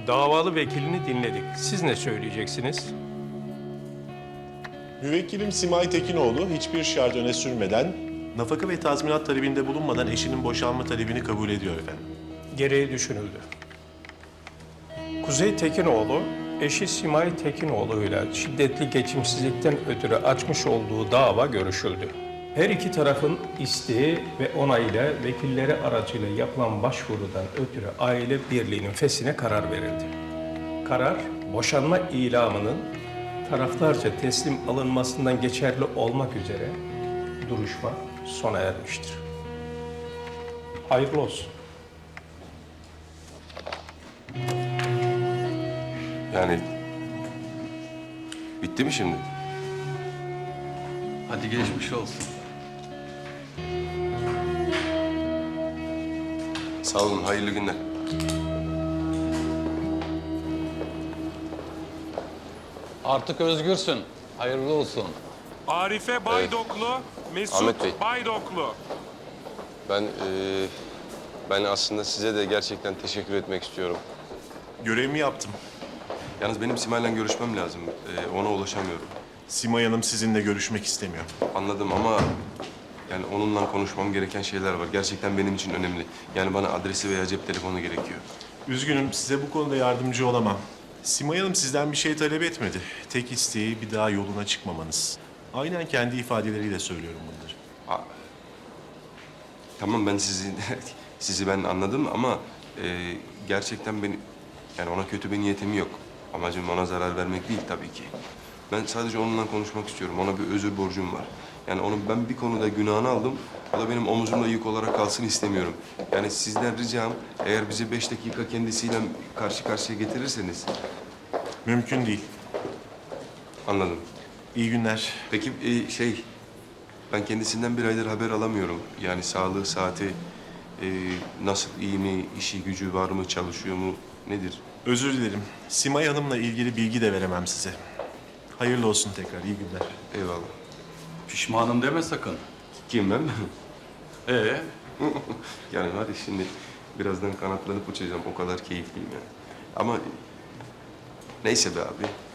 Davalı vekilini dinledik. Siz ne söyleyeceksiniz? Müvekkilim Simay Tekinoğlu hiçbir şart öne sürmeden, nafaka ve tazminat talebinde bulunmadan eşinin boşanma talebini kabul ediyor efendim. Gereği düşünüldü. Kuzey Tekinoğlu, eşi Simay Tekinoğlu ile şiddetli geçimsizlikten ötürü açmış olduğu dava görüşüldü. Her iki tarafın isteği ve onayıyla vekilleri aracıyla yapılan başvurudan ötürü aile birliğinin feshine karar verildi. Karar, boşanma ilamının taraflarca teslim alınmasından geçerli olmak üzere duruşma sona ermiştir. Hayırlı olsun. Yani bitti mi şimdi? Hadi geçmiş olsun. Sağ olun, hayırlı günler. Artık özgürsün. Hayırlı olsun. Arife Baydoklu, Ahmet Mesut Bey. Baydoklu. Ben aslında size de gerçekten teşekkür etmek istiyorum. Görevimi yaptım. Yalnız benim Simay'la görüşmem lazım. Ona ulaşamıyorum. Simay Hanım sizinle görüşmek istemiyor. Anladım ama yani onunla konuşmam gereken şeyler var. Gerçekten benim için önemli. Yani bana adresi veya cep telefonu gerekiyor. Üzgünüm, size bu konuda yardımcı olamam. Simay Hanım sizden bir şey talep etmedi. Tek isteği bir daha yoluna çıkmamanız. Aynen kendi ifadeleriyle söylüyorum bunları. Tamam ben sizi ben anladım ama gerçekten yani ona kötü bir niyetim yok. Amacım ona zarar vermek değil tabii ki. Ben sadece onunla konuşmak istiyorum. Ona bir özür borcum var. Yani onun ben bir konuda günahını aldım. O da benim omuzumda yük olarak kalsın istemiyorum. Yani sizden ricam eğer bizi 5 dakika kendisiyle karşı karşıya getirirseniz. Mümkün değil. Anladım. İyi günler. Peki ben kendisinden bir aydır haber alamıyorum. Yani sağlığı, saati, nasıl, iyi mi, işi gücü var mı, çalışıyor mu, nedir? Özür dilerim. Simay Hanım'la ilgili bilgi de veremem size. Hayırlı olsun tekrar, iyi günler. Eyvallah. Pişmanım deme sakın. Kim ben? Ee, Yani hadi şimdi birazdan kanatlanıp uçacağım. O kadar keyifliyim yani. Ama neyse be abi.